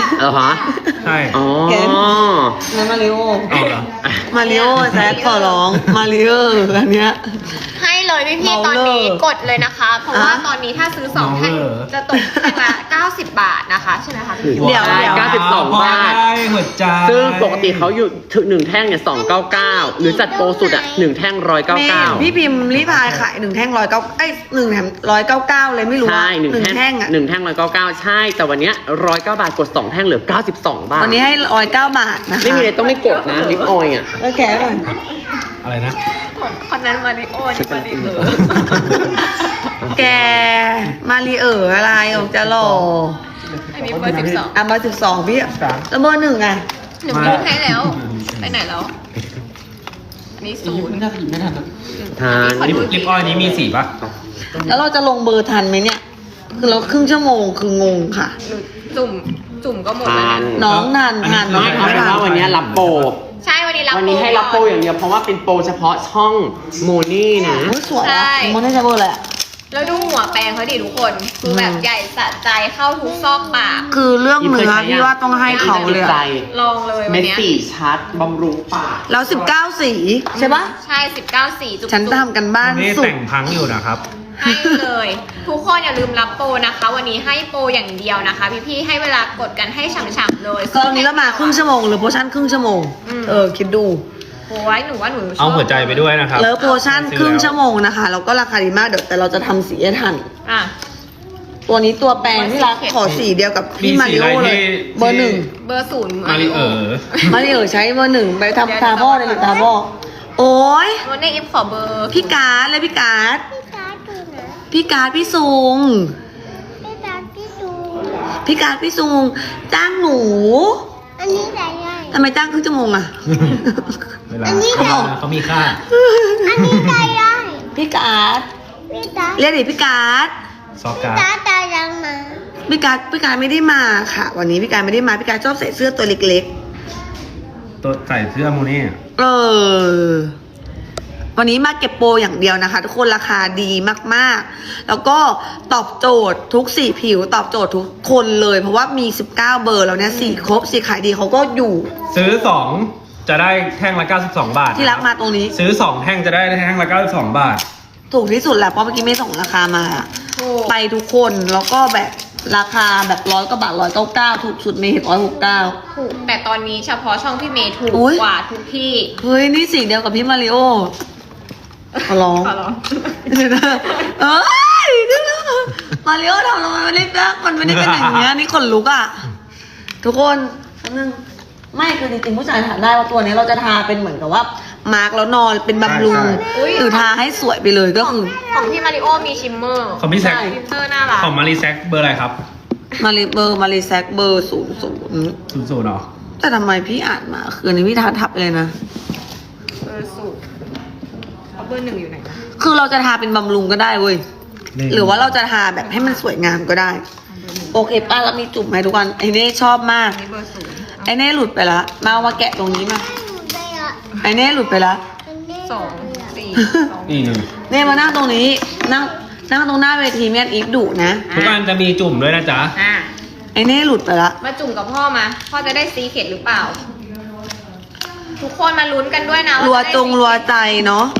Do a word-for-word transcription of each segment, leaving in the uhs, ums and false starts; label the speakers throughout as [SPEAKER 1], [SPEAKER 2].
[SPEAKER 1] เออฮะ
[SPEAKER 2] ใช่
[SPEAKER 1] อ๋อ
[SPEAKER 3] นั่นมาริโอ
[SPEAKER 2] เอาเหรอ
[SPEAKER 3] มาริโอแซคขอร้องมาริโออันเนี้ย
[SPEAKER 4] ให้เลยพี่พี่ตอนนี้กดเลยนะคะ เพราะว่าตอนนี้ถ้าซื้อสองแท่งจะตกแท่งละเก้าสิบบาทนะคะใช่ไหมคะพี่
[SPEAKER 3] เดี๋ยวเดี๋ยว
[SPEAKER 1] เก้าสิบสองบาท
[SPEAKER 2] หัวใจ
[SPEAKER 1] ซึ่งปกติเขาอยู่ถึงหนึ่งแท่งเนี่ยสองเก้าเก้าหรือจัดโปรสุดอ่ะหนึ่งแท่งร้อยเก้า
[SPEAKER 3] แม่
[SPEAKER 1] เก้า
[SPEAKER 3] พี่พิมพ์รีพายขายหนึ่งแท่งร้อยเก้าไอ้หนึ่งแถมร้อยเก้าเก้าเลยไม่รู้
[SPEAKER 1] ใช่
[SPEAKER 3] ว่า
[SPEAKER 1] หนึ่ง
[SPEAKER 3] หนึ่ง
[SPEAKER 1] แท่ง
[SPEAKER 3] แท่งอ่ะ
[SPEAKER 1] หนึ่งแท่งร้อยเก้าเก้าใช่แต่วันเนี้ยร้อยเก้าบาทกดสองแท่งเหลือเก้าสิบสองบาท
[SPEAKER 3] วันนี้ให้ร้อยเก้าบาทนะคะ
[SPEAKER 1] ไม่มีอะไรต้องไม่กดนะลิปออยล์อ่ะ
[SPEAKER 3] โอเคก่อน
[SPEAKER 2] อะไรนะ
[SPEAKER 4] คนนั้นมาริโอนี่มาริเออ
[SPEAKER 3] แกมารีเอออะไรออกจะหล่อ
[SPEAKER 4] อันนี้เบอร์สิบสอง
[SPEAKER 3] อ่ะเบอร์สิบสองพี่แล้วเบอร์หนึ่งอ่ะ
[SPEAKER 4] หนูพูดให้แล้วไปไหนแล้วอันนี้ศูนย์
[SPEAKER 1] ทาน
[SPEAKER 2] ลิปลิปออยล์นี้มีสีป่ะ
[SPEAKER 3] แล้วเราจะลงเบอร์ทันไหมเนี่ย คือเราครึ่งชั่วโมงคืองงค่ะ
[SPEAKER 4] หนูจุ่มจุ่มก็หมด
[SPEAKER 1] ทา
[SPEAKER 4] แล้ว
[SPEAKER 1] น
[SPEAKER 4] นะ
[SPEAKER 3] น้องนาน
[SPEAKER 2] อันนี้
[SPEAKER 3] ทาน
[SPEAKER 1] น้อยเอาเป็นว่าวันนี้รับโปร
[SPEAKER 4] ใช่วันนี้รับ
[SPEAKER 1] วันนี้ให้รับโปรอย่างเดียวเพราะว่าเป็นโปรเฉพาะช่องโมนี่นะ
[SPEAKER 3] อุ๊ยสวยอ่ะมันได้จะเบอร์อะไรอ่ะ
[SPEAKER 4] แล้วดูหัวแปรงเขาดิทุกคนคือแบบใหญ่สะใจเข้าทุกซอกปาก
[SPEAKER 3] คือเรื่องเนื้อพี่ว่าต้องให้เขาเลยอะ
[SPEAKER 4] ลองเลยวั
[SPEAKER 1] เม็
[SPEAKER 4] น
[SPEAKER 1] ด
[SPEAKER 4] เนี้ย
[SPEAKER 1] สีชัดบำรุงปาก
[SPEAKER 3] แล้วสิบเก้าสีใช่ปะ
[SPEAKER 4] ใช่สิบเก้าสีจุกๆ
[SPEAKER 3] ฉันทำกันบ้าน
[SPEAKER 2] วันนี้
[SPEAKER 3] สุด
[SPEAKER 2] แต่งพังอยู่นะครับ
[SPEAKER 4] ให้เลย ทุกคนอย่าลืมรับโปรนะคะ วันนี้ให้โปรอย่างเดียวนะคะ พี่ๆให้เวลากดกันให้ฉ่ำๆเลย
[SPEAKER 3] ก็วันนี้เรามาครึ่งชั่วโมงหรือโพชั่นครึ่งชั่วโมง
[SPEAKER 4] อืม
[SPEAKER 3] เออคิดดู
[SPEAKER 4] โอ้ยหนูว่าหนูชอบ
[SPEAKER 2] เอาหัวใจไปด้วยนะครับ
[SPEAKER 3] แล้วโพชั่นครึ่งชั่วโมงนะคะแล้วก็ราคาดีมากเดี๋ยวแต่เราจะทำสีให้ทัน
[SPEAKER 4] อ่ะ
[SPEAKER 3] ตัวนี้ตัวแปรงที่รักขอสีเดียวกับพี่
[SPEAKER 2] มี
[SPEAKER 3] มา
[SPEAKER 2] สี
[SPEAKER 3] ริโอ
[SPEAKER 2] อะไร
[SPEAKER 3] เลย
[SPEAKER 2] ที่
[SPEAKER 3] เบอร์หนึ่ง
[SPEAKER 4] เบอร์ศูนย์
[SPEAKER 2] มาริเออ
[SPEAKER 3] มาริโอใช้เบอร์หนึ่งไปทำตาพ่อเลยหรือตาพ่อโอ้ย
[SPEAKER 4] วันนี้อิฟขอเบอร์
[SPEAKER 3] พี่การ์ดเลยพี่การ์ด
[SPEAKER 5] พี่การ์ดดูนะ
[SPEAKER 3] พี่การ์ดพี่ซุง
[SPEAKER 5] พี่การ์ดพี่ดู
[SPEAKER 3] พี่การ์ดพี่ซุงจ้างหนู
[SPEAKER 5] อันนี้ใหญ่ใหญ่
[SPEAKER 3] ทำไมจ้างครึ่งชั่วโมงอะ
[SPEAKER 2] เวลาเขาเขามีค่า
[SPEAKER 5] อันนี้ใหญ่ใหญ่
[SPEAKER 3] พี่การ์ด
[SPEAKER 5] พี่การ์ด
[SPEAKER 3] เรียกดิพี่การ์ด
[SPEAKER 2] ซอก
[SPEAKER 5] พี่
[SPEAKER 2] การ์
[SPEAKER 5] การ์ดตายยังมา
[SPEAKER 3] พี่การ์ดพี่การ์ดไม่ได้มาค่ะ วันนี้พี่การ์ดไม่ได้มาพี่การ์ดชอบใส่เสื้อตัวเล็ก
[SPEAKER 2] ตัวใส่เสื้อโมนี่
[SPEAKER 3] ๆ เออ วันนี้มาเก็บโปรอย่างเดียวนะคะ ทุกคนราคาดีมากๆ แล้วก็ตอบโจทย์ทุกสีผิวตอบโจทย์ทุกคนเลย เพราะว่ามีสิบเก้าเบอร์แล้วเนี่ยสีครบสีขายดีเขาก็อยู่
[SPEAKER 2] ซื้อสองจะได้แท่งละเก้าสิบสองบาท
[SPEAKER 3] ที่รักมาตรงนี้
[SPEAKER 2] ซื้อสองแท่งจะได้แท่งละเก้าสิบสองบาท
[SPEAKER 3] ถูกที่สุดแหละเพราะเมื่อกี้ไม่ส่งราคามา
[SPEAKER 4] ถูก
[SPEAKER 3] ไปทุกคนแล้วก็แบบราคาแบบร้อยกว่าบาทร้อยเก้าเก้าถูกสุดเมย์เห็นร้อยหกเก้า
[SPEAKER 4] ถูกแต่ตอนนี้เฉพาะช่องพี่เมย์ถูก
[SPEAKER 3] อุ๊ย
[SPEAKER 4] กว่าทุกที่
[SPEAKER 3] เฮ้ยนี่สีเดียวกับพี่มาริโอขอร้อง
[SPEAKER 4] ขอร้อง
[SPEAKER 3] เดี๋ยวนะเอ้ยเดี๋ยวนะมาริโอทำลงมาไม่ได้นะมันไม่ได้เป็นอย่างเงี้ยนี่ขนลุกอ่ะทุกคนแป๊บนึงไม่คือจริงๆผู้ชายถามได้ว่าตัวนี้เราจะทาเป็นเหมือนกับว่ามาร์กแล้วนอนเป็นบำรุง
[SPEAKER 2] ใช่
[SPEAKER 4] อุ๊ย
[SPEAKER 3] หรือทาให้สวยไปเลยก็คือ
[SPEAKER 4] ของพี่มาริโอมีชิมเมอร์
[SPEAKER 2] ของพี่แซค
[SPEAKER 4] ชิมเมอร์น่ารัก
[SPEAKER 2] ของมารีแซคเบอร์อะไรครับ
[SPEAKER 3] มาริเบอร์มาริแซกเบอร์ศูนย์ศูนย์
[SPEAKER 2] ศูนย์ศูนย์เหรอ
[SPEAKER 3] แต่ทำไมพี่อ่านมาคืออันนี้พี่ทับทับไปเลยนะ
[SPEAKER 4] เบอร์ศูนย์เอาเบอร์หนึ่งอยู่ไหนนะ
[SPEAKER 3] คือเราจะทาเป็นบำรุงก็ได้เว้ย
[SPEAKER 2] นี่
[SPEAKER 3] หรือว่าเราจะทาแบบให้มันสวยงามก็ได้ โอเคป้าเรามีจุ่มให้ทุกคนไอเน่ชอบมาก
[SPEAKER 4] อันนี้เบอร์ศูนย์
[SPEAKER 3] ไอเน่หลุดไปละมาเอามาแกะตรงนี้มา
[SPEAKER 5] ให้หนูไปอ่ะ
[SPEAKER 3] ไอเน่หลุดไปละ
[SPEAKER 5] อันนี้
[SPEAKER 4] สองสี่สอง
[SPEAKER 2] นี่หนึ่ง
[SPEAKER 3] เน่มานั่งตรงนี้ นั่งนั่งตรงหน้าเวทีเมียนอีฟดุนะ
[SPEAKER 2] ทุกอันจะมีจุ่มด้วยนะจ๊ะ
[SPEAKER 4] อ่ะ
[SPEAKER 3] ไอเน่หลุดไปละ
[SPEAKER 4] มาจุ่มกับพ่อมาพ่อจะได้ซีเข็ดหรือเปล่า ทุกคนมาลุ้นกันด้วยนะ
[SPEAKER 3] รัว
[SPEAKER 4] าะได้
[SPEAKER 3] จงรัวใจเนาะ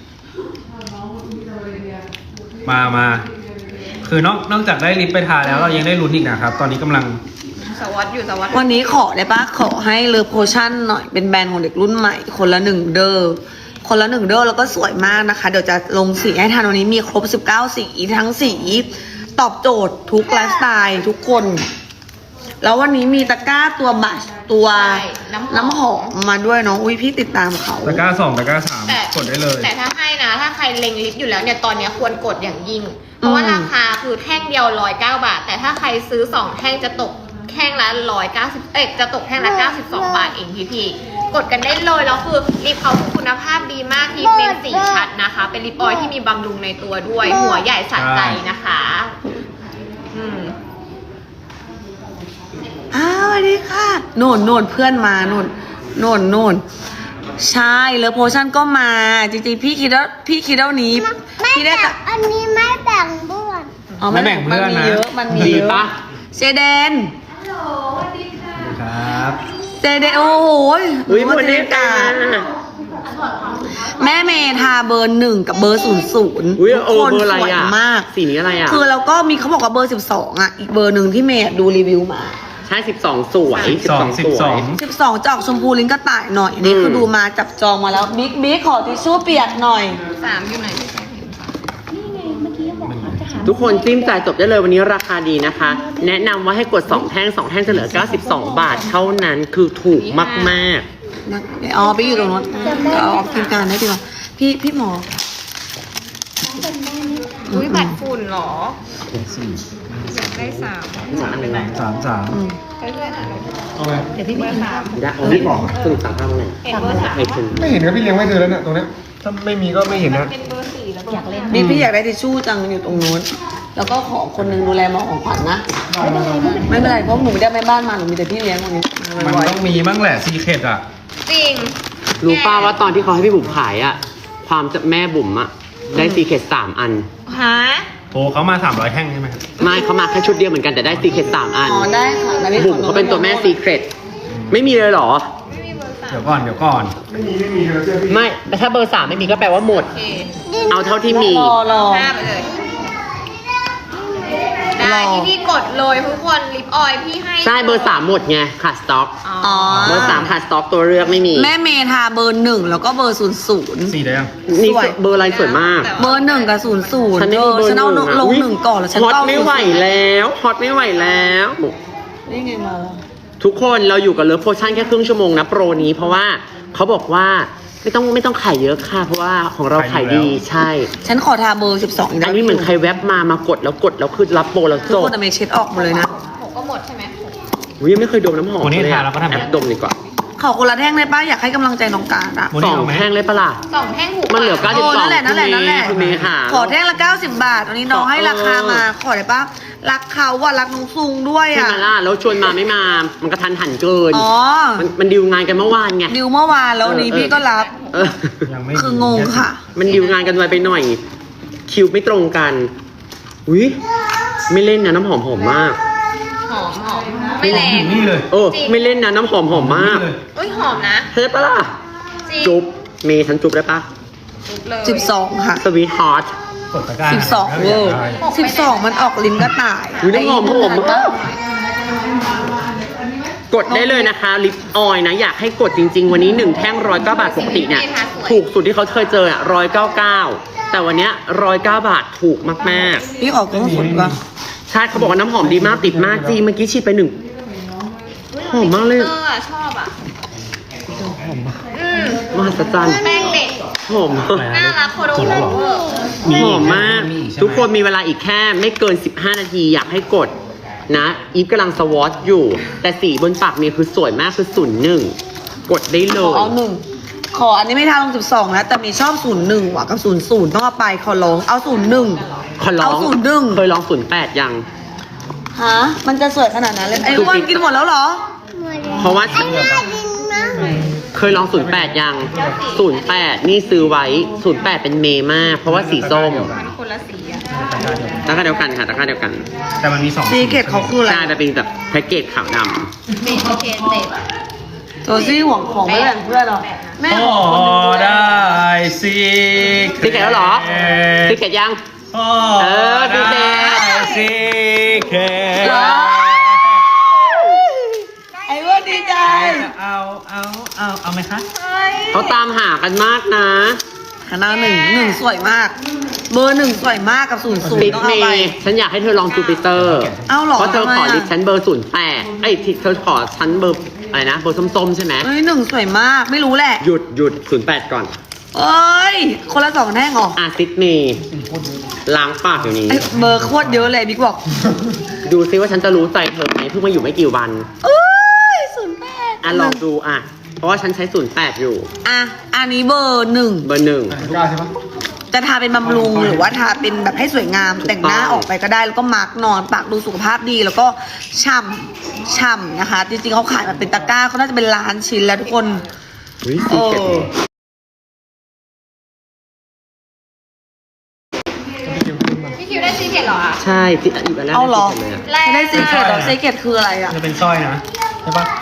[SPEAKER 2] มามา คือนอกนอกจากได้ลิปไปทาแล้วเรายังได้ลุ้นอีกนะครับ ตอนนี้กำลัง
[SPEAKER 4] สวัสดอยู่สวัสด
[SPEAKER 3] วันนี้ขอได้ปะขอให้เลิฟโพชั่นหน่อยเป็นแบรนด์ของเด็กรุ่นใหม่ คนละหนึ่งเดอร์คนละหนึ่งเดอร์แล้วก็สวยมากนะคะ เดี๋ยวจะลงสีให้ทันวันนี้มีครบสิบเก้าสีทั้งสีตอบโจทย์ทุกไลฟ์สไตล์ทุกคน แล้ววันนี้มีตะกร้าตัวบัชตัว
[SPEAKER 4] ใช่น้ำ
[SPEAKER 3] น้ำหอมมาด้วยเนาะอุ้ยพี่ติดตามเขา
[SPEAKER 2] ตะกร้าสองตะกร้าสาม
[SPEAKER 4] แต่
[SPEAKER 2] กดได้เลย
[SPEAKER 4] แต่ถ้าให้นะ ถ้าใครเล็งลิฟต์อยู่แล้วเนี่ยตอนเนี้ยควรกดอย่างยิ่ง เพราะว่าราคาคือแท่งเดียวร้อยเก้าบาท แต่ถ้าใครซื้อสองแท่งจะตกแท่งละร้อยเก้าสิบเอ๊ะจะตกแท่งละเก้าสิบสองบาทเองพี่พี่ๆกดกันได้เลยแล้วคือลิปเขาคุณภาพดีมากที่เป็นสีชัดนะคะ เป็นลิปออยล์ที่มีบำรุงในตัวด้วย หัวใหญ่สะใจนะคะ อืม
[SPEAKER 3] อ้าวสวัสดีค่ะโน่นโน่นเพื่อนมาโน่นโน่นโน่นใช่เลิฟโพชั่นก็มาจริงๆพี่คิดว่าพี่คิดว่านี้
[SPEAKER 5] ไม่
[SPEAKER 3] พี่ได้
[SPEAKER 5] แบ่
[SPEAKER 3] กับ
[SPEAKER 5] งอันนี้ไม่แบ่งบ้วน
[SPEAKER 3] อ๋อ
[SPEAKER 2] ไม่แบ่งเพื่อน
[SPEAKER 3] มันมี
[SPEAKER 2] นะ
[SPEAKER 3] เยอะมันมี
[SPEAKER 1] ดี
[SPEAKER 3] เยอะ
[SPEAKER 1] ปะ
[SPEAKER 3] เจเดนเจเดโอ้โห
[SPEAKER 1] อุ้ยหมดเด็กกา
[SPEAKER 3] แม่เมทาเบอร์หนึ่งกับเบอร์ศูนย์ศูนย์
[SPEAKER 1] อุ้ยเออเบอร์อะไร
[SPEAKER 3] สวย
[SPEAKER 1] อ่ะ
[SPEAKER 3] มาก
[SPEAKER 1] สีนี้อะไรอ่ะ
[SPEAKER 3] คือแล้วก็มีเขาบอกว่าเบอร์สิบสองอ่ะ อีกเบอร์หนึ่งที่เมย์ดูรีวิวมา
[SPEAKER 1] ใช่สิบสองสวยสิบ
[SPEAKER 2] ส
[SPEAKER 1] ส
[SPEAKER 2] อ
[SPEAKER 1] อง ง
[SPEAKER 2] สิ
[SPEAKER 1] ส
[SPEAKER 2] บ
[SPEAKER 1] ว
[SPEAKER 2] สอย ง
[SPEAKER 3] สิบสองจะออกชมพูลิ้นกระต่ายหน่อยนี่
[SPEAKER 1] อืม
[SPEAKER 3] คือดูมาจับจองมาแล้วบิ๊กบิ๊กขอทิชชู่เปียกหน่อย
[SPEAKER 4] สามอยู่ไหนพี่แจ๊คเห็นปะ
[SPEAKER 1] ทุกคนจิ้มจ่ายจบได้เลยวันนี้ราคาดีนะคะ แนะนำว่าให้กดสองแท่งสองแท่งจะเหลือเก้าสิบสองบาทเท่านั้นคือถูกมาก
[SPEAKER 3] นะเดี๋ยวอ๋อไปอยู่ตรงนู้นเอาออกทีมการได้ดีกว่าพี่พี่หมอ
[SPEAKER 4] อุ้ยบัตรฝุ่นเหรออยากได้สาม
[SPEAKER 1] ๆสามอันไหน
[SPEAKER 2] สามสาม
[SPEAKER 3] อืม
[SPEAKER 4] ไปด้วยอ่ะ
[SPEAKER 6] เอาไง
[SPEAKER 4] เดี๋ยวพี่เบอร์สาม
[SPEAKER 1] ได้เอาที่บอกสรุปสามภาพไหน
[SPEAKER 4] เห็นเบอร์สาม
[SPEAKER 1] ไอ้คุณ
[SPEAKER 6] ไม่เห็นครับพี่เลี้ยงไว้เธอแล้วเนี่ยตรงเนี้ยถ้าไม่มีก็ไม่เห็น
[SPEAKER 4] มัน
[SPEAKER 6] นะ
[SPEAKER 4] เป็นเบอร์สี่แล้วอยากเล่น
[SPEAKER 3] บิ๊กพี่อยากได้ทิชชู่จังอยู่ตรงนู้นแล้วก็ขอคนหนึงดูแลหมอของขวัญนะไม่เป็นไรเพราะหนูไม่ได้แม่บ้านมาหนูมีแต่พี่เลี้ยงคนนี้
[SPEAKER 2] มัน
[SPEAKER 3] ไว้
[SPEAKER 2] ต้องมีบ้างแหละซีเคดอ่ะ
[SPEAKER 4] จริง
[SPEAKER 1] รู้ป้าว่าตอนที่เขาให้พี่บุ๋มขายอ่ะ ความจะแม่บุ๋มอ่ะ ได้ซีเคทสามอัน
[SPEAKER 4] ฮะ
[SPEAKER 2] โอ้เขามาสามร้อยแท่งใช่ไหมครับ
[SPEAKER 1] ไม่เขามาแค่ชุดเดียวเหมือนกันแต่ได้ซีเคทสามอัน
[SPEAKER 3] อ๋อได้ค่ะแล้วพี่
[SPEAKER 1] บุ๋มเขาเป็นตัวแม่ซีเคทไม่มีเลยเหรอ
[SPEAKER 4] ไม่มีเบอร์สาม
[SPEAKER 2] เดี๋ยวก่อนเดี๋ยวก่อน
[SPEAKER 6] ไม่มีไม่มีเธอเชื่อพี่
[SPEAKER 1] ไม่แต่ถ้าเบอร์สามไม่มีก็แปลว่าหมด
[SPEAKER 4] โอเค
[SPEAKER 1] เอาเท่าที่มี
[SPEAKER 3] รอรอ
[SPEAKER 4] ห้าไปเลย ได้ที่พี่กดเลยทุกคนลิปออยล์พี่ให้
[SPEAKER 1] ใช่เบอร์สามหมดไงขาดสต็อก
[SPEAKER 3] อ๋อ
[SPEAKER 1] เบอร์สามขาดสต็อกตัวเลือกไม่มี
[SPEAKER 3] แม่เมทาเบอร์หนึ่งแล้วก็เบอร์ศูนย์ศูนย์
[SPEAKER 2] สี่ได้ยัง
[SPEAKER 1] นี่
[SPEAKER 3] สวย
[SPEAKER 1] เบอร์อะไรสวยมาก
[SPEAKER 3] เบอร์หนึ่งกับศูนย์ศูนย์
[SPEAKER 1] ฉันไม่
[SPEAKER 3] เอ
[SPEAKER 1] มี
[SPEAKER 3] อ
[SPEAKER 1] เบอร์
[SPEAKER 3] ฉันเอา
[SPEAKER 1] หนึ่งอะ
[SPEAKER 3] ลง
[SPEAKER 1] อุ๊ย
[SPEAKER 3] หนึ่งก่อนแล้วฉัน
[SPEAKER 1] ฮอต
[SPEAKER 3] ก็เอา
[SPEAKER 1] ไม่ไหวแล้วฮอตไม่ไหวแล้ว
[SPEAKER 3] นี่ไงมาแล้ว
[SPEAKER 1] ทุกคนเราอยู่กับเลิฟโพชั่นแค่ครึ่งชั่วโมงนะโปรนี้เพราะว่าเขาบอกว่าไม่ต้องไม่ต้องขายเยอะค่ะ เพราะว่าของเราขายดีใช่
[SPEAKER 3] ฉันขอทาเบอร์สิบสองอีก
[SPEAKER 1] อันนี้เหมือนใครแวบมามากดแล้วกดแล้วคือรับโปรแล้ว
[SPEAKER 3] ทุก
[SPEAKER 1] จบ
[SPEAKER 3] คนแต่เมย์เช็ดออกหมดเลยนะ
[SPEAKER 4] หกก็หมดใช่ไหม
[SPEAKER 1] อุ๊ยยังไม่เคยดมน้ำหอม
[SPEAKER 2] วันนี้
[SPEAKER 1] เลย
[SPEAKER 2] ทา
[SPEAKER 1] อะ
[SPEAKER 2] แล้วก็ทำ
[SPEAKER 1] แอปดมดีกว่า
[SPEAKER 3] ขอคนละแท่งได้ป้าอยากให้กำลังใจน้องการอะ
[SPEAKER 2] วัน
[SPEAKER 1] ส
[SPEAKER 2] นี้
[SPEAKER 1] อง
[SPEAKER 2] เอาไหม
[SPEAKER 1] แท่งเลยปะล่ะ
[SPEAKER 4] สองแท่งถูก
[SPEAKER 1] มันเหลือเก้าสิบ
[SPEAKER 3] โอ้
[SPEAKER 1] สอง
[SPEAKER 3] นั่นแหละนั่นแหละนั่นแหละ
[SPEAKER 1] คุณเมย์ค่ะ
[SPEAKER 3] ขอแท่งละเก้าสิบบาทวันนี้น้องให้ราคามา ขอได้ปะรักเขาว่ารักน้องซุงด้วย
[SPEAKER 1] ใช่
[SPEAKER 3] อ่ะ
[SPEAKER 1] ไหมล่ะแล้วชวนมาไม่มา มันกระทันหันเกิน
[SPEAKER 3] อ๋อ
[SPEAKER 1] มันมันดิวงานกันเมื่อวานไง
[SPEAKER 3] ดิวเมื่อวานแล้ววันนี้
[SPEAKER 1] เออ
[SPEAKER 3] พี่ก็รับ
[SPEAKER 1] เออ
[SPEAKER 2] ยังไม่
[SPEAKER 3] คืองงค่ะ
[SPEAKER 1] มันดิวงานกันไวไปหน่อย คิวไม่ตรงกันอุ้ยไม่เล่นนะน้ำหอมหอมมาก
[SPEAKER 4] หอมหอมไม่แรง
[SPEAKER 2] นี่เลย
[SPEAKER 1] เออไม่เล่นนะน้ำหอมหอมมาก
[SPEAKER 2] นี่เลย
[SPEAKER 4] อุ้ยหอมนะ
[SPEAKER 1] เฮ้ยปะล่ะ
[SPEAKER 4] จริง
[SPEAKER 1] จุ๊บเมย์ฉันจุ๊บได้ปะ
[SPEAKER 4] จุ๊บเลย
[SPEAKER 3] สิบสองค่ะ
[SPEAKER 1] สวีทฮอต
[SPEAKER 2] กดตะกร้า
[SPEAKER 3] สิบสอง
[SPEAKER 2] เวอร์
[SPEAKER 3] สิบสองมันออกลิ้นกระต่าย
[SPEAKER 1] อุ๊ยน้ำหอมหอมมาก กดได้เลยนะคะลิปออยล์นะ อยากให้กดจริง ๆ วันนี้หนึ่งแท่งร้อยเก้าบาทปกติเนี่ยถูกสุดที่เขาเคยเจออ่ะร้อยเก้าเก้าแต่วันเนี้ยร้อยเก้าบาทถูกมาก
[SPEAKER 3] พี่ออกกล้องสดปะ
[SPEAKER 1] ๆ ใช่เขาบอกว่าน้ำหอมดีมากติดมากจริงเมื่อกี้ฉีดไปหนึ่ง หอมมากเลย
[SPEAKER 4] เออชอบอ่ะอืม
[SPEAKER 1] มหัศจรรย์
[SPEAKER 4] แป้งเด็ก
[SPEAKER 1] หอมมาก
[SPEAKER 4] น่ารักโคโดโเวอร์
[SPEAKER 2] มี
[SPEAKER 1] หอมมาก
[SPEAKER 2] มีอีใช่ไหม
[SPEAKER 1] ทุกคนมีเวลาอีกแค่ไม่เกินสิบห้านาทีอยากให้กดนะอีฟกำลังสวอตอยู่ แต่สีบนปากเนี่ยคือสวยมากคือศูนย์หนึ่งกดได้เล
[SPEAKER 3] ขอย เอาหนึ่งขออันนี้ไม่ทาลงสิบสองนะแต่มีชอบศูนย์หนึ่งว่ะกับศูนย์ศูนย์ต้องเอาไปขอร้องเอาศูนย์หนึ่ง
[SPEAKER 1] ขอร้อง
[SPEAKER 3] เอาศูนย์หนึ่ง
[SPEAKER 1] เคยลองศูนย์แปดยัง
[SPEAKER 3] ฮะมันจะสวยขนาดนั้นเลยไอ้อ้วนกินหมดแล้วเหรอ
[SPEAKER 5] หมดแล้ว
[SPEAKER 1] เพราะว่า
[SPEAKER 5] อันนี้ดินมาก
[SPEAKER 1] เคยลองศูนย์แปดยังศูนย์แปดนี่ซื้อไว้ศูนย์แปดเป็นเมมาก เพราะว่าสีส้ม
[SPEAKER 4] มันคนละสีอ่ะ
[SPEAKER 1] ตะกร้าเดียวกันค่ะตะกร้าเดียวกัน
[SPEAKER 2] แต่มันมีสอง
[SPEAKER 3] ซีเกตเขาคืออะไร
[SPEAKER 1] ใช่แต่เป็นแบบแพ็กเกจขาวด
[SPEAKER 4] เมนเคนเต็ด
[SPEAKER 3] โจซี่ห่วงของไม่แบ่งเพื่อนหรอแม่
[SPEAKER 2] โอ้
[SPEAKER 3] ของคนอื่น
[SPEAKER 2] ได้ซี
[SPEAKER 1] ำซีเกตแล้วเหรอซีเกตยัง
[SPEAKER 2] โอ้
[SPEAKER 1] เออซีเกต
[SPEAKER 2] ได้ซีเคท
[SPEAKER 3] ไอ้อ้วนดีใจ
[SPEAKER 2] เอาเอาเอาเอาไหมคะ
[SPEAKER 1] เขาตามหากันมากนะ
[SPEAKER 3] คณะหนึ่งหนึ่งสวยมาก เบอร์หนึ่งสวยมากกับศูนย์ศูน
[SPEAKER 1] ติ
[SPEAKER 3] ย์
[SPEAKER 1] ด
[SPEAKER 3] ต้อง
[SPEAKER 1] เม
[SPEAKER 3] เอาไป
[SPEAKER 1] ย์ฉันอยากให้เธอลองจูปิเตอร์
[SPEAKER 3] เอ้าเหรอ
[SPEAKER 1] เพราะเธอขอ
[SPEAKER 3] ทำไมอะ
[SPEAKER 1] ดิฉันเบอร์ศูนย์แปดไอ้ยที่เธอขอฉันเบอร์อะไรนะเบอร์ส้มๆใช่ไหม
[SPEAKER 3] เอ้ยหนึ่งสวยมากไม่รู้แหละ
[SPEAKER 1] หยุดหยุดศูนย์แปดก่อน
[SPEAKER 3] เอ้ยคนละสองแท่งเหรอ
[SPEAKER 1] อาซิดเมย์ล้างปากอยู่นี้
[SPEAKER 3] ไอ้เบอร์โคตรเยอะเลยบิ๊กบอก
[SPEAKER 1] ดูซิว่าฉันจะรู้ใจเธอไหมเพิ่งมาอยู่ไม่กี่วัน
[SPEAKER 3] เอ้ยศูนย์แปด
[SPEAKER 1] อ่ะลองดูอ่ะ เพราะว่าฉันใช้ศูนย์แปดอยู่
[SPEAKER 3] อ่ะอันนี้เบอร์หนึ่ง
[SPEAKER 1] เบอร์หนึ่ง
[SPEAKER 6] ตะกร้าใช่ปะ
[SPEAKER 3] จะทาเป็นบำรุงหรือว่าทาเป็นแบบให้สวยงาม
[SPEAKER 1] ถูกต้อง
[SPEAKER 3] แต่งหน้าออกไปก็ได้แล้วก็มาร์กนอนปากดูสุขภาพดีแล้วก็ฉ่ำฉ่ำนะคะ จริงๆเขาขายมาเป็นตะกร้าเขาน่าจะเป็นล้านชิ้นแล้วทุกคน
[SPEAKER 1] วิ
[SPEAKER 3] เอ
[SPEAKER 1] สีเกต
[SPEAKER 3] อ
[SPEAKER 4] พี่คิวได้ซีเกตเหรออ่ะ
[SPEAKER 1] ใช่ที่อีกอันแรก
[SPEAKER 3] เอาเหรอ
[SPEAKER 1] ที่สุดเลยอะ
[SPEAKER 3] ไม่ได้ซีเกตหรอซีเกตคืออะไรอ่ะ
[SPEAKER 2] จะเป็นสร้อยนะใช่ปะ
[SPEAKER 4] พูดหนู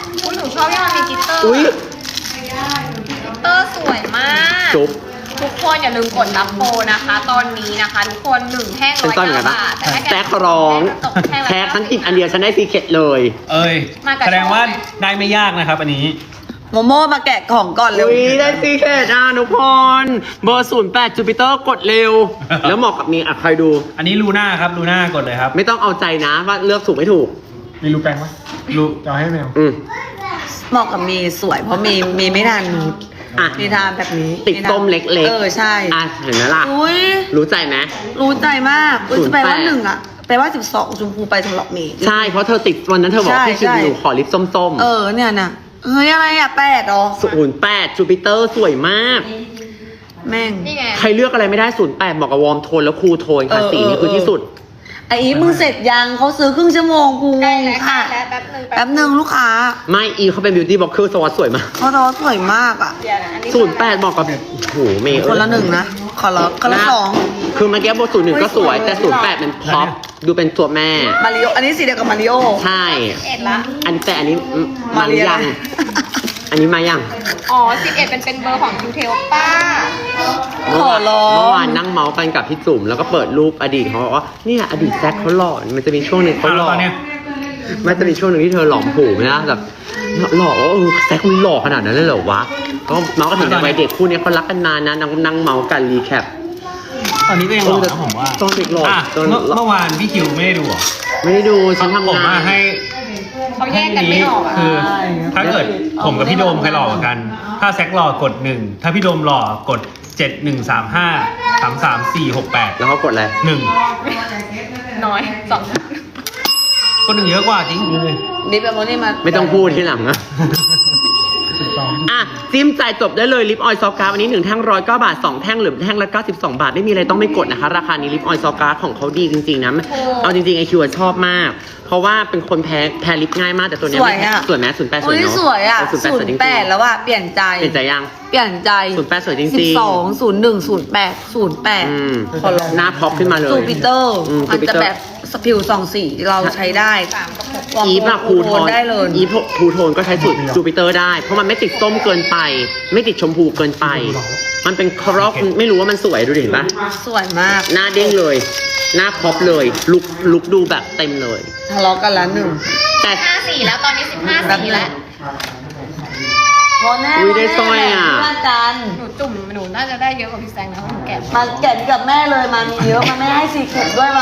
[SPEAKER 4] ชอบที่มันมีกลิตเตอร์
[SPEAKER 1] อุ้ย
[SPEAKER 4] กลิตเตอร์สวยมาก
[SPEAKER 1] จุ๊บ
[SPEAKER 4] ทุกคนอย่าลืมกดรับโปรนะคะ ตอนนี้นะคะทุกคนหนึ่งแท่ง
[SPEAKER 1] เป็น
[SPEAKER 4] ร้อย
[SPEAKER 1] ต้นเหมือนกันปะ
[SPEAKER 4] เก้าบาทแต่ถ้า
[SPEAKER 1] แซกร้อง
[SPEAKER 4] ตกแท่งละ
[SPEAKER 1] แท็กทั้งกินอันเดียวฉันได้ซีเคร็ตเลย
[SPEAKER 2] เอ้ย
[SPEAKER 4] มากับ
[SPEAKER 2] แสดงว่าได้ไม่ยากนะครับอันนี้
[SPEAKER 3] โมโม่มาแกะของก่อนเร็ว
[SPEAKER 1] อุ้ยได้ซีเคร็ตอ่ะทุกคน เบอร์ศูนย์แปดจูปิเตอร์กดเร็ว แล้วเหมาะกับนี้อ่ะใครดู
[SPEAKER 2] อันนี้ลูน่าครับลูน่ากดเลยครับ
[SPEAKER 1] ไม่ต้องเอาใจนะว่าเลือกถูกไม่ถูก
[SPEAKER 6] มีรูปแปลงไหม
[SPEAKER 2] ลู
[SPEAKER 6] จะเอาให้แมว
[SPEAKER 1] อืม
[SPEAKER 3] เหมาะกับเมย์สวยเพราะเมย์เมย์ไม่ทานนูด
[SPEAKER 1] อ่ะ
[SPEAKER 3] เมย์ทานแบบนี้
[SPEAKER 1] ติดต้มเล็กๆ
[SPEAKER 3] เออใช่
[SPEAKER 1] อ่ะเห็นไหมล่ะ
[SPEAKER 3] อุ้ย
[SPEAKER 1] รู้ใจไหม
[SPEAKER 3] รู้ใจมากอุ้ย
[SPEAKER 1] ศูนย์
[SPEAKER 3] แปลว่า
[SPEAKER 1] แปด
[SPEAKER 3] หนึ่งอะแปลว่าสิบสองชมพูไปสำหรับเมย์
[SPEAKER 1] ใช่ เพราะเธอติดวันนั้นเธอบอก
[SPEAKER 3] ใช่
[SPEAKER 1] พี่คิว
[SPEAKER 3] ใช่
[SPEAKER 1] อยู่ขอลิปส้ม
[SPEAKER 3] เออเนี่ยน่ะเฮ้ยอะไรอะแปดเหรอ
[SPEAKER 1] ๆศูนย์แปดจูปิเตอร์สวยมาก
[SPEAKER 3] แม่ง
[SPEAKER 4] นี่ไง
[SPEAKER 1] ใครเลือกอะไรไม่ได้ศูนย์แปดเหมาะกับวอร์มโทนแล้วคูลโทนค่ะ
[SPEAKER 3] เออ
[SPEAKER 1] สีนี้
[SPEAKER 3] เออ
[SPEAKER 1] คือที่สุด
[SPEAKER 3] ไอ้อีฟมึงเสร็จยังเขาซื้อครึ่งชั่วโมงกูง
[SPEAKER 4] ใกล้
[SPEAKER 3] ง
[SPEAKER 4] แล้วใกล้
[SPEAKER 3] ค่ะ
[SPEAKER 4] แล้วแป๊บหนึง
[SPEAKER 3] แป๊บหนึ่งลูกค้า
[SPEAKER 1] ไม่อีเขาเป็นบิวตี้บล็อกเกอร์สวัสดสวยมาก
[SPEAKER 3] เขาทอสวยมากอะ
[SPEAKER 4] เดี๋ยวนะอันนี้
[SPEAKER 1] ศูนย์แปดเหมาะกับโอ้โหเมย์
[SPEAKER 3] คนละหนึ่งนะขอละคนละสอง
[SPEAKER 1] คือเมื่อกี้บทศูนย์หนึ่งก็สวย แต่ศูนย์แปดเป็นพ็อปดูเป็นตัวแม่
[SPEAKER 3] มาริโออันนี้สีเดียวกับมาริโอ
[SPEAKER 1] ใช่
[SPEAKER 4] เอ็ดละ
[SPEAKER 1] อันแต่อันนี้มา
[SPEAKER 3] เรี
[SPEAKER 1] ยัง อันนี้มายัง
[SPEAKER 4] อ๋อสิบเอ็ดเป็นเป็นเบอร์ของคิวเทลป้า
[SPEAKER 3] ขอร้อง
[SPEAKER 1] เมื่อวานนั่งเมาส์กันกับพี่จุ๋มแล้วก็เปิดรูปอดีตเขาบอกว่าเนี่ยอดีตแซคเขาหล่อมันจะมีช่วงหนึ่งเขาหล่อ
[SPEAKER 2] ตอนเนี้ย
[SPEAKER 1] มันจะมีช่วงหนึ่งที่เธอหลอมผูไหมนะแบบหล่อว่าเออแซคมันหล่อขนาดนั้นเลยเหรอวะก็เมาส์กันถึงแต่วัยเด็กคู่เนี้ยเขารักกันนานนะนั่งนั่งเมาส์กันรีแคป
[SPEAKER 2] ตอนนี้ก็ยังหล่อนะผมว่า
[SPEAKER 1] ตอนเด็กหล่อ
[SPEAKER 2] อ่ะ
[SPEAKER 1] ตอน
[SPEAKER 2] เมื่อเมื่อวานพี่คิวไม่ได้ดูเหรอ
[SPEAKER 1] ไม่ได้ดูฉันทำ
[SPEAKER 2] ผม
[SPEAKER 1] งา
[SPEAKER 2] ว่านให้
[SPEAKER 4] เขาแยกกันไม่ออกอ่ะ
[SPEAKER 2] คือถ้าเกิดผมกับพี่โดมใครหล่อกว่ากัน ถ้าแซกหล่อกดหนึ่งถ้าพี่โดมหล่อกดเจ็ดหนึ่งสามห้าสามสามสี่หกแปด
[SPEAKER 1] แล้วเขากดอะไร
[SPEAKER 2] หนึ่ง
[SPEAKER 4] น้อยสอง
[SPEAKER 2] ก็หนึ่งเยอะกว่าจริง
[SPEAKER 3] ดิบแบบนี้มา
[SPEAKER 1] ไม่ต้องพูดที่หลังนะ อ่ะจิ้มจ่ายจบได้เลยลิปออยล์ซอฟต์การ์ดวันนี้หนึ่งแท่งร้อยเก้าบาทสองแท่งหรือแท่งละเก้าสิบสองบาทไม่มีอะไรต้องไม่กดนะคะ ราคานี้ลิปออยล์ซอฟต์การ์ดของเขาดีจริงๆนะเอาจริงๆไอคิวชอบมาก เพราะว่าเป็นคนแพ้แพ้ลิปง่ายมากแต่ตัวเนี้
[SPEAKER 3] ส
[SPEAKER 1] ย
[SPEAKER 3] วย
[SPEAKER 1] ไม่
[SPEAKER 3] อะ
[SPEAKER 1] สวยไหมศูนย์แปดสวย
[SPEAKER 3] อุ้ย
[SPEAKER 1] เนาะ
[SPEAKER 3] สวยอะ
[SPEAKER 1] ศูนย์แปด
[SPEAKER 3] ศู
[SPEAKER 1] สวย
[SPEAKER 3] น
[SPEAKER 1] จริ
[SPEAKER 3] ย์
[SPEAKER 1] ง
[SPEAKER 3] แปดแล้วอะเปลี่ยนใจ
[SPEAKER 1] ๆเป็นใจยัง
[SPEAKER 3] เปลี่ยนใจ
[SPEAKER 1] ศูนย์แปดสวยจริงๆ
[SPEAKER 3] สิบสองศูนย์หนึ่งศูนย์แปดศูนย์แปด
[SPEAKER 1] อืม
[SPEAKER 3] ขอลอง
[SPEAKER 1] หน้าพ็อปขึ้นมาเลย
[SPEAKER 3] จูปิเตอร์
[SPEAKER 1] อืม
[SPEAKER 3] มันจะ
[SPEAKER 1] Jupiter
[SPEAKER 3] แบบสผิวสองสีเราใช้ได้
[SPEAKER 4] สามกับหก
[SPEAKER 3] วอร์ม
[SPEAKER 1] อีฟอะ
[SPEAKER 3] โท
[SPEAKER 1] คู
[SPEAKER 3] น
[SPEAKER 1] โทน
[SPEAKER 3] ได้เลย
[SPEAKER 1] อีฟทูโทนก็ใช้สูตรจูปิเตอร์ได้ เพราะมันไม่ติดส้มเกินไป ไม่ติดชมพูเกินไป มันเป็นครอบไม่รู้ว่ามันสวยดูดิเห็นปะ
[SPEAKER 3] สวยมาก
[SPEAKER 1] หน้าเด้งเลย หน้าพ็อปเลย ลุกลุกดูแบบเต็มเลย
[SPEAKER 3] ทะเลาะกันละหนึ่ง
[SPEAKER 1] แต่
[SPEAKER 4] ห้าสี่แล้วตอนนี้สิบห้าสี่แล้ว
[SPEAKER 3] วอแน่
[SPEAKER 1] อุ๊ยได้สร้อยอะ
[SPEAKER 3] เพื่อนกัน
[SPEAKER 4] หนูจุ่มหนูน่าจะได้เยอะกว่าพี่แซงนะเพราะหนูแก่
[SPEAKER 3] มาแกะกับแม่เลยมามีเยอะมาแม่ให้สีเข็มด้วยมา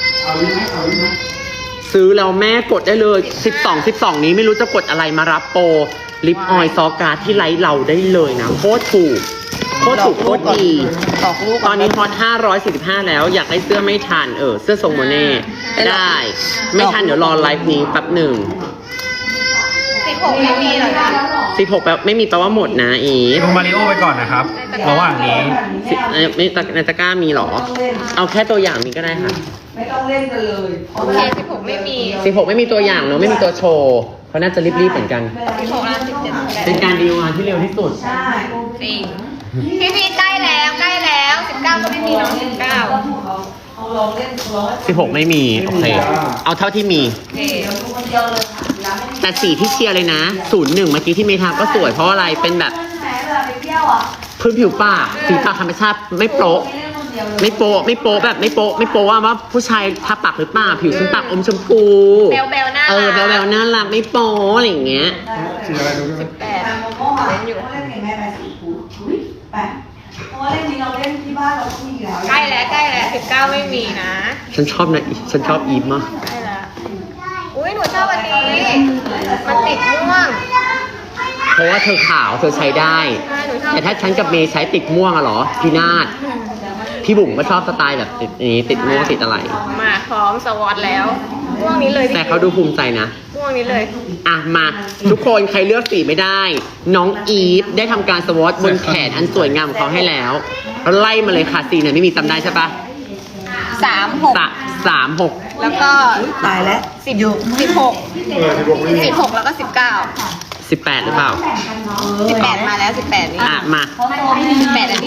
[SPEAKER 1] ซื้อแล้วแม่กดได้เลย สิบสอง สิบสอง นี้ไม่รู้จะกดอะไรมารับโปรลิปออยล์ซอการ์ดที่ไลท์เราได้เลยนะโคตรถูกโคตรถูกโคตรดี
[SPEAKER 3] ตอกลูก
[SPEAKER 1] ตอนนี้ฮอตห้าร้อยสี่สิบห้าแล้วอยากได้เสื้อไม่ทันเออเสื้อทรงโมเน่ได้ ไม่ทันเดี๋ยวรอไลฟ์นี้แป๊บหนึ่ง
[SPEAKER 4] สิบหกไม่มีเหรอจ๊ะ
[SPEAKER 1] สิบหกแป๊บไม่มีแปลว่าหมดนะอีฟ
[SPEAKER 2] ดูมาริโอไปก่อนนะครับ ระหว่างนี้
[SPEAKER 1] สิเอ้ยไม่ตะในตะกร้ามีเหรอ เอาแค่ตัวอย่างนี้ก็ได้ค่ะ
[SPEAKER 3] ไม่ต้องเล่นกันเลย
[SPEAKER 4] โอเคสิบหกไม่มี
[SPEAKER 1] สิบหกไม่มีตัวอย่างเนอะไม่มีตัวโชว์เขาน่าจะรีบๆเหมือนกัน
[SPEAKER 4] สิบหกแล้วสิบเจ็ด
[SPEAKER 1] เป็นการดีลงานที่เร็วที่สุด
[SPEAKER 3] ใช่
[SPEAKER 4] จริงพี่พีใกล้แล้วใกล้แล้วสิบเก้าก็ไม่มีเน้องสิบเก้า
[SPEAKER 3] เอาลองเล่นลอง
[SPEAKER 1] สิบหกไม่มี โอเค เอาเท่าที่มี
[SPEAKER 4] โอเค
[SPEAKER 3] คนเดียวเลย
[SPEAKER 1] แต่สีที่เชียร์เลยนะศูนย์หนึ่งเมื่อกี้ที่เมทาก็สวยเพราะอะไรเป็นแบบ
[SPEAKER 3] แหมเวลาไปเที่ยวอ่ะ
[SPEAKER 1] พื้นผิวปากสีปากธรรมชาติไม่โป๊ะ
[SPEAKER 3] ไม่เล่นคนเดียวเลย
[SPEAKER 1] ไม่โป๊ะไม่โป๊ะแบบไม่โป๊ะไม่โป๊ะว่าว่าผู้ชายทาปากหรือเปล่าผิวฉันปากอมชมพู
[SPEAKER 4] เบลเบลหน้า
[SPEAKER 1] เออแบลแบลน่ารักไม่โป๊ะอะไรอย่างเงี้ย
[SPEAKER 6] สีอะไรดูด้วย
[SPEAKER 4] แปด
[SPEAKER 3] โมโม่ค่ะเล่นอยู่เล่นเพลงแม่ไปสีฟูอุ้ยแปะเพราะว่าเล่นนี้เราเล่นที่บ้านเราก็มีอยู่แล้ว
[SPEAKER 4] ใกล้แล้วใกล้แล้วสิบเก้าไม่มีนะ
[SPEAKER 1] ฉันชอบนะอีฉันชอบอีฟมาก
[SPEAKER 4] ใกล้แล้วอุ้ยหนูชอบอันนี้มันติดม่วง
[SPEAKER 1] เพราะว่าเธอขาวเธอใช้ได้
[SPEAKER 4] ใช่หนูชอบ
[SPEAKER 1] แต่ถ้าฉันกับเมย์ใช้ติดม่วงอะเหรอพี่นาฏพี่บุ๋มก็ชอบสไตล์แบบติดอย่างนี้ติดม่วงติดอะไร
[SPEAKER 4] มาพร้อมสวอตแล้วม่วงนี้เลยพี่
[SPEAKER 1] แต่เขาดูภูมิใจนะ
[SPEAKER 4] ม่วงนี้เลย
[SPEAKER 1] อ่ะมาทุกคนใครเลือกสีไม่ได้ น้องอีฟได้ทำการสวอตบนแขนอันสวยงามของเขาให้แล้วไล่มาเลยค่ะสีเนี่ยไม่มีจำได้ใช่ปะ
[SPEAKER 4] สามหก
[SPEAKER 1] สะสามหก
[SPEAKER 4] แล้วก็
[SPEAKER 3] ตายแล้ว
[SPEAKER 4] สิบสิบหก
[SPEAKER 6] เออสิบหกไม่มี
[SPEAKER 4] สิบหกแล้วก็สิบเก้า
[SPEAKER 1] สิบแปดหรือเปล่า
[SPEAKER 4] สิบแปดมาแล้วสิบแปดนี่
[SPEAKER 1] อ่ะมา
[SPEAKER 4] สิบแปดอันนี้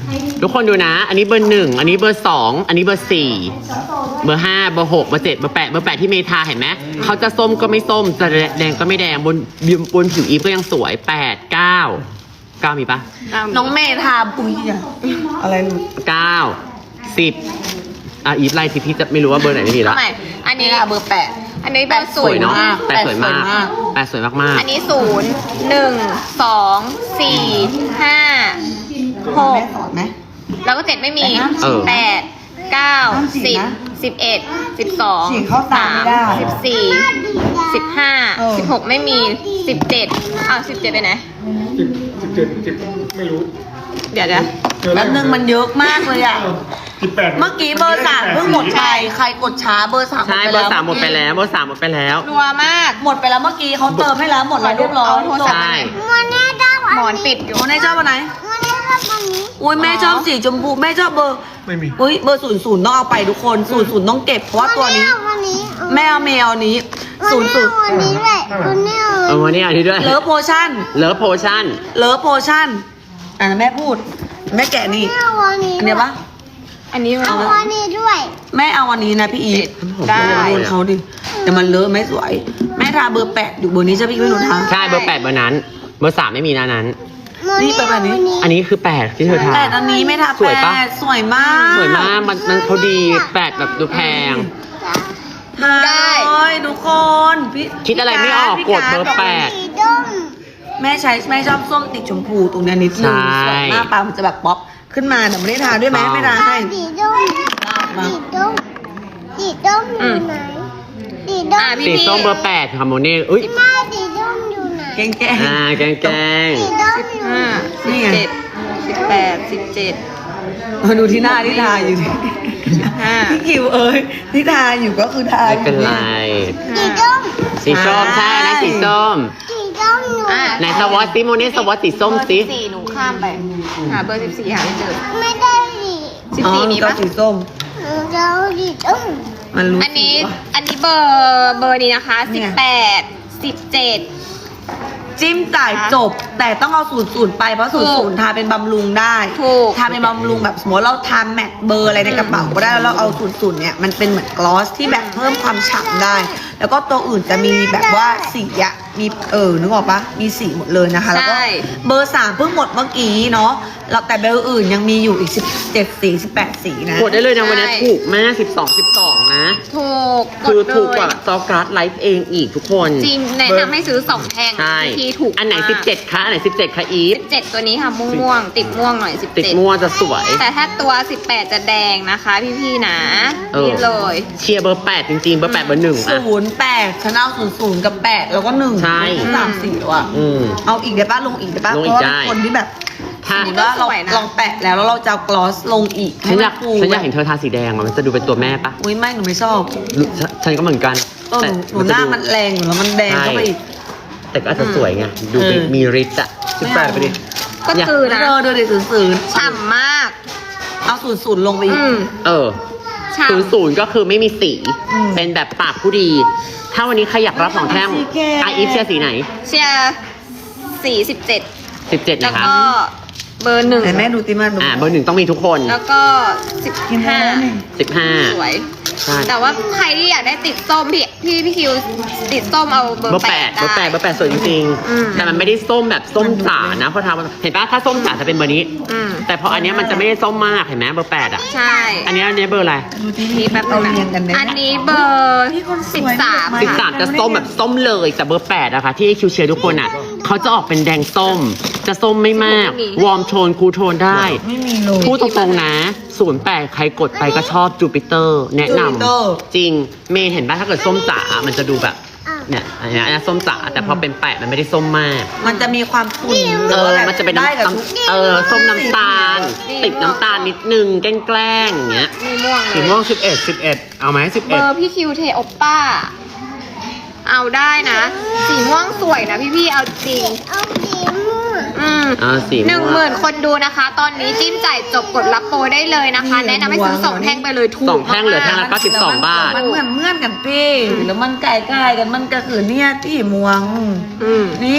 [SPEAKER 1] ทุกคนดูนะ อันนี้เบอร์หนึ่งอันนี้เบอร์สองอันนี้เบอร์สี่เบอร์ห้าเบอร์หกเบอร์เจ็ดเบอร์แปดเบอร์แปดที่เมทาเห็นไหมเขาจะส้มก็ไม่ส้มจะแดงก็ไม่แดงบนบนผิวอีฟก็ยังสวยแปดเก้าเก้ามีปะ
[SPEAKER 3] น้องเมทาปุยอะอะไรหลุด
[SPEAKER 1] เก้าสิบอ่ะอีฟไล่สิพี่จะไม่รู้ว่าเบอร์ไหนไม่มีละ
[SPEAKER 4] ทำไมอัน
[SPEAKER 3] นี่
[SPEAKER 4] นี้
[SPEAKER 3] ค่ะเบอร์แปด
[SPEAKER 4] อันนี้เบอร์
[SPEAKER 1] ส
[SPEAKER 4] ศู
[SPEAKER 1] วย
[SPEAKER 4] นย์
[SPEAKER 1] เนาะ
[SPEAKER 3] มาก
[SPEAKER 1] แปดสวยมาก
[SPEAKER 3] แปดสวยมาก
[SPEAKER 1] แปดสวยมาก
[SPEAKER 4] อันนี้ศูนย์หนึ่งสองสี่ห้าหก
[SPEAKER 3] แม่สอนไหม
[SPEAKER 4] แล้วก็เจ็ดไม่มี
[SPEAKER 1] เออ
[SPEAKER 4] แปดเก้า
[SPEAKER 3] ห้ามฉี
[SPEAKER 4] สิ
[SPEAKER 3] ก
[SPEAKER 4] บ
[SPEAKER 3] นะ
[SPEAKER 4] สิบเอ็ดสิบสอง
[SPEAKER 3] ฉีกเข้าตาไม่ได้
[SPEAKER 4] สิบสี่สิบห้า
[SPEAKER 3] เออ
[SPEAKER 4] สิบหกไม่มีสิบเจ็ดอ้าวสิบเจ็ดไปไหน
[SPEAKER 6] สิบสิบเจ็ดสิบไม่รู้
[SPEAKER 4] เดี๋ยวเดี๋ยว
[SPEAKER 6] เจอ
[SPEAKER 3] แป๊บนึงมันเยอะมากเลยอะ
[SPEAKER 6] สิบแปด
[SPEAKER 3] เมื่อกี้เบอร์สามเพิ่งหมดไปใครกดช้าเบอร์สาม
[SPEAKER 1] ใช่เบอร์สามหมดไปแล้วเบอร์สามหมดไปแล้ว
[SPEAKER 4] รัวมาก
[SPEAKER 3] หมดไปแล้วเมื่อกี้เขาเติมให้แล้วหมดแล้วเรียบร้อย
[SPEAKER 4] เอาโทรศัพท์
[SPEAKER 1] ใช่
[SPEAKER 5] มันแน่ชอบ
[SPEAKER 4] หมอนปิดอยู่
[SPEAKER 3] โอ้แม่ชอบอันไหน
[SPEAKER 5] มันแน่ชอบอันนี้
[SPEAKER 3] อุ้ยแม่ชอบสีชมพูแม่ชอบเบอร์
[SPEAKER 6] ไม่มี
[SPEAKER 3] อุ้ยเบอร์ศูนย์ศูนย์ต้องเอาไปทุกคนศูนย์ศูนย์ต้องเก็บเพราะว่าตัวนี้
[SPEAKER 5] วันนี้
[SPEAKER 3] แม่เอาแมวนี้ศูนย์ศูนย์
[SPEAKER 5] วันนี้แหละวันนี้
[SPEAKER 1] เออวันนี้อันนี้ด้วย
[SPEAKER 3] เลิฟโพชั่น
[SPEAKER 1] เลิฟโพชั่น
[SPEAKER 3] เลิฟโพชั่นอ่ะแม่พูด แม่แกะนี่
[SPEAKER 5] เอาวันนี้
[SPEAKER 3] อันเนี้ยปะ
[SPEAKER 4] อันนี้
[SPEAKER 5] เอาวันนี้ด้วย
[SPEAKER 3] แม่เอาวันนี้นะพี่อีท
[SPEAKER 4] ได้
[SPEAKER 3] โดนเขาดิแต่มันเลอะไม่สวย แม่ทาเบอร์แปดอยู่เบอร์นี้ใช่พี่ไม่หนูทา
[SPEAKER 1] ใช่เบอร์แปดเบอร์นั้น เบอร์สามไม่มีนะนั้น
[SPEAKER 3] นี่เป็นแบบนี้
[SPEAKER 1] อันนี้คือแปดที่เธอทา
[SPEAKER 3] แปดอันนี้ไม่ทา
[SPEAKER 1] สวยปะ
[SPEAKER 3] แปดสวยมาก
[SPEAKER 1] สวยมากมันมันเขาดีแปดแบบดูแพง
[SPEAKER 3] ทา
[SPEAKER 4] ได้
[SPEAKER 3] เลยทุกคนพี่
[SPEAKER 1] คิดอะไรไม่ออก
[SPEAKER 3] พี่
[SPEAKER 1] กดเบอร์แปด
[SPEAKER 5] สีด้ม
[SPEAKER 3] แม่ใช้แม่ชอบส้มติดชมพูตรงเนี้ยนิดนึง
[SPEAKER 1] ใช่
[SPEAKER 3] ส่วนหน้าปลามันจะแบบป๊อปขึ้นมาแต่ไม่ได้ทาด้วยไหมไม่ทาให้
[SPEAKER 5] สีด้มสีด้มสีด้มอยู่ไหนสีด้ม
[SPEAKER 4] อ่ะพี่
[SPEAKER 1] สี
[SPEAKER 4] พี่
[SPEAKER 1] ส้มเบอร์แปดคาร์โมเน่อุ้ย
[SPEAKER 5] แม่สีด้มอยู่ไหน
[SPEAKER 3] แกงแกง
[SPEAKER 1] อ่าแกงแกง
[SPEAKER 5] สีด้มอยู่ไหน
[SPEAKER 4] ห้าสิบ
[SPEAKER 3] นี่ไง
[SPEAKER 4] เจ็ดสิบแปดสิบเจ็ด
[SPEAKER 3] มาดูที่หน้าที่ทาอยู่ดิ
[SPEAKER 4] ห้า
[SPEAKER 3] พี่คิวเอ้ยที่ทาอยู่ก็คือทา
[SPEAKER 1] ไม่
[SPEAKER 3] อยู่
[SPEAKER 1] เป็นไร
[SPEAKER 5] สีด้ม
[SPEAKER 1] สีส้มใช่นะสีส้ม
[SPEAKER 5] สีด้มอยู่ไหน
[SPEAKER 4] อ่ะ
[SPEAKER 1] ไหนสวอตซิโมเน่สวอตสีส้ม
[SPEAKER 4] เบอร์
[SPEAKER 1] สิ
[SPEAKER 4] สิบสี่หนูข้ามไป หาเบอร์สิบสี่หาไม่เจอ
[SPEAKER 5] ไม่ได้สี
[SPEAKER 4] สิบ
[SPEAKER 3] อ๋อ
[SPEAKER 4] สี่มี
[SPEAKER 3] ก็
[SPEAKER 4] ปะ
[SPEAKER 3] สีส้ม
[SPEAKER 5] หนูจะเอาสีด้ม
[SPEAKER 3] มันรู้
[SPEAKER 4] อันนี้
[SPEAKER 3] สีปะ
[SPEAKER 4] อันนี้เบอร์เบอร์นี้นะคะ
[SPEAKER 3] เนี่
[SPEAKER 4] สิบ
[SPEAKER 3] ย
[SPEAKER 4] แปดสิบเจ็ด
[SPEAKER 3] จิ้มจ่ายจบ แต่ต้องเอาศูนย์ศูนย์ไปเพราะศูนย์ศูนย์ทาเป็นบำรุงได้
[SPEAKER 4] ถูก
[SPEAKER 3] ทาเป็นบำรุงแบบสมมติเราทาแมทเบอร์อะไรในกระเป๋าก็ได้แล้วเราเอาศูนย์ศูนย์เนี่ยมันเป็นเหมือนกลอสที่แบบเพิ่มความฉ่ำได้ แล้วก็ตัวอื่นจะมีแบบว่าสีอะมีเออนึกออกปะมีสีหมดเลยนะคะแล้วก็
[SPEAKER 4] ใช่
[SPEAKER 3] เบอร์สามเพิ่งหมดเมื่อกี้เนาะแล้วแต่เบอร์อื่นยังมีอยู่อีกสิบเจ็ดสีสิบแปดสีนะ
[SPEAKER 1] กดได้เลยนะวันนี้ถูกมากสิบสอง สิบสองนะ
[SPEAKER 4] ถูก
[SPEAKER 1] คือ
[SPEAKER 4] ดเลย
[SPEAKER 1] ถูกกว่าซอการ์ดไลฟ์เองอีกทุกคน
[SPEAKER 4] จริงแนะนำให้ซื้อสองแท่ง
[SPEAKER 1] ใช่
[SPEAKER 4] ที่ถูก
[SPEAKER 1] อันไหน
[SPEAKER 4] มาก
[SPEAKER 1] สิบเจ็ดคะอันไหนสิบเจ็ดคะอีฟ
[SPEAKER 4] สิบเจ็ดตัวนี้ค่ะม่วงๆติดม่วงหน่อยสิบ
[SPEAKER 1] ติด
[SPEAKER 4] เจ็ด
[SPEAKER 1] มั่วจะสวย
[SPEAKER 4] แต่ถ้าตัวสิบแปดจะแดงนะคะพี่ๆนะ
[SPEAKER 1] เออ
[SPEAKER 4] นี่เลย
[SPEAKER 1] เชียร์เบอร์แปดจริงๆ เบอร์แปดเบอร์หนึ่งอ่ะ
[SPEAKER 3] ศูนย์แปดฉันเอาศูนย์ศูนย์กับแปดแล้วก็หนึ่ง
[SPEAKER 1] ใช่
[SPEAKER 3] สามสี่แล้วอะ
[SPEAKER 1] อืม
[SPEAKER 3] เอาอีกได้ป่ะลงอีกได้ป่ะ
[SPEAKER 1] ลง
[SPEAKER 3] เพ
[SPEAKER 1] อีก
[SPEAKER 3] ราะว่า
[SPEAKER 1] ได้
[SPEAKER 3] คนที่แบบ
[SPEAKER 1] ถ้า
[SPEAKER 3] สมมติว่าเราลองแปะแล้วแล้วเราจะเอากลอสลงอีก
[SPEAKER 1] ฉันอยาก
[SPEAKER 3] ให้มัฟู
[SPEAKER 1] ฉันอยากเห็นเธอทาสีแดงอะมันจะดูเป็นตัวแม่ปะ
[SPEAKER 3] อุ้ยไม่หนูไม่ชอบ
[SPEAKER 1] ฉันฉันก็เหมือนกัน
[SPEAKER 3] เออหนูหนู
[SPEAKER 1] แต่
[SPEAKER 3] หน้า
[SPEAKER 1] จะดู
[SPEAKER 3] มันแรงอยู่แล้วมันแดงเข้าไปอีก
[SPEAKER 1] แต่ก็อาจจะสวยไง ดูเป็น
[SPEAKER 3] เออ
[SPEAKER 1] มีฤทธิ์อะสิบแปดไปดิ
[SPEAKER 4] ก็คือนะ
[SPEAKER 3] เออเดูดิศูนย์ศูนย์
[SPEAKER 4] ฉ่ำมาก
[SPEAKER 3] เอาศูนย์ศูนย์ลงไปอีก
[SPEAKER 4] อืม
[SPEAKER 1] เออ
[SPEAKER 4] ฉ่
[SPEAKER 1] ศูนย์ศูนย์ก็คือไม่มีสี
[SPEAKER 3] อืม
[SPEAKER 1] เป็นแบบปากผู้ดี ถ้าวันนี้ใครอยากรับสองแท่ง
[SPEAKER 3] สีแก่
[SPEAKER 1] อาอีฟเชียร์สีไหน
[SPEAKER 4] ำเชียร์สี่สิบเจ็ด
[SPEAKER 1] สิบเจ็ด
[SPEAKER 4] แล้ว
[SPEAKER 1] นะคะ
[SPEAKER 4] ก็เบอร์หนึ่ง
[SPEAKER 3] ไหนแม่ดูติมาดู
[SPEAKER 1] อ่าเบอร์หนึ่งต้องมีทุกคน
[SPEAKER 4] แล้วก็สิบ
[SPEAKER 3] กิน
[SPEAKER 4] ห้า
[SPEAKER 3] แล้วนี่
[SPEAKER 1] สิบห้า
[SPEAKER 4] สวย
[SPEAKER 1] ใช่
[SPEAKER 4] แต่ว่าใครที่อยากได้ติดส้มพี่พี่พี่คิวติดส้มเอาเบอ
[SPEAKER 1] เบอ
[SPEAKER 4] ร์
[SPEAKER 1] ร์
[SPEAKER 4] แป
[SPEAKER 1] แป
[SPEAKER 4] ด
[SPEAKER 1] ดเบอร์แปดเบอร์แปดสวยจริง
[SPEAKER 4] อืม
[SPEAKER 1] ๆ แต่มันไม่ได้ส้มแบบส้มจ๋านะเพราะทำเห็นปะถ้าส้มจ๋าจะเป็นเบอร์นี้
[SPEAKER 4] อืม
[SPEAKER 1] แต่พออันเนี้ยมันจะไม่ได้ส้มมากเห็นไหมเบอร์แปดอ่ะ
[SPEAKER 4] ใช่
[SPEAKER 1] อันเนี้ยอันเนี้ยเบอร์อะไร
[SPEAKER 3] ดูที่
[SPEAKER 4] นี่แป๊บนึ
[SPEAKER 3] เรา
[SPEAKER 4] งนะ
[SPEAKER 3] เรียงกันได้
[SPEAKER 4] อันนี้เบอร์สิบสาม
[SPEAKER 3] ไม่
[SPEAKER 1] สิบ
[SPEAKER 3] ได้
[SPEAKER 1] สามจะส้มแบบส้มเลย แต่เบอร์แปดอะค่ะที่คิวเชียร์ทุกคนอะเขาจะออกเป็นแดงส้ม จะส้มไม่มาก วอร์มโทนคูลโทนได้
[SPEAKER 3] ไม่มีเลย
[SPEAKER 1] พูดตรงๆนะศูนย์แปดใครกดไปก็ชอบจูปิเตอร์ แนะน
[SPEAKER 3] Jupiter
[SPEAKER 1] ำจริง เมย์เห็นป่ะถ้าเกิดส้มจ๋า มันจะดูแบบ เนี่ยอันเนี้ยอันเนี้ยส้มจ๋า แต่พอเป็นแปดมันไม่ได้ส้มมาก
[SPEAKER 3] มันจะมีความขุ่น
[SPEAKER 1] เออ มันจะเป็น
[SPEAKER 3] ได้กับ
[SPEAKER 1] น้ำ
[SPEAKER 3] ทุก
[SPEAKER 1] เออ ส้มน้ำตาล ติดน้ำตาลนิดนึง แกล้งๆอย่างเงี้ย
[SPEAKER 4] มีม่วงเล
[SPEAKER 2] สี
[SPEAKER 4] ย
[SPEAKER 2] ม่วงสิบเอ็ดสิบเอ็ดเอาไหมสิบ
[SPEAKER 4] เบ
[SPEAKER 2] เอ็ด
[SPEAKER 4] อร์พี่คิวเทโอป้า เอาได้นะ สีม่วงสวยนะพี่พี่ๆเอาจริง
[SPEAKER 5] เอาสีม่วง
[SPEAKER 4] อืม
[SPEAKER 1] อ่าสีม่วง
[SPEAKER 4] หนึ่งหมื่นคนดูนะคะ ตอนนี้จิ้มจ่ายจบกดรับโปรได้เลยนะคะ แนะนำให้ซื้อสองแท่งไปเลยถูก
[SPEAKER 1] สองแท่งเหลือแท่งละ
[SPEAKER 4] มาก
[SPEAKER 1] เก้าสิบสองบาท
[SPEAKER 3] มันเหมือนเมื่อนกันพี่แล้วมันไก่ๆกันมันก็คือเนี่ยที่มวง
[SPEAKER 4] ๆอืม
[SPEAKER 3] นี่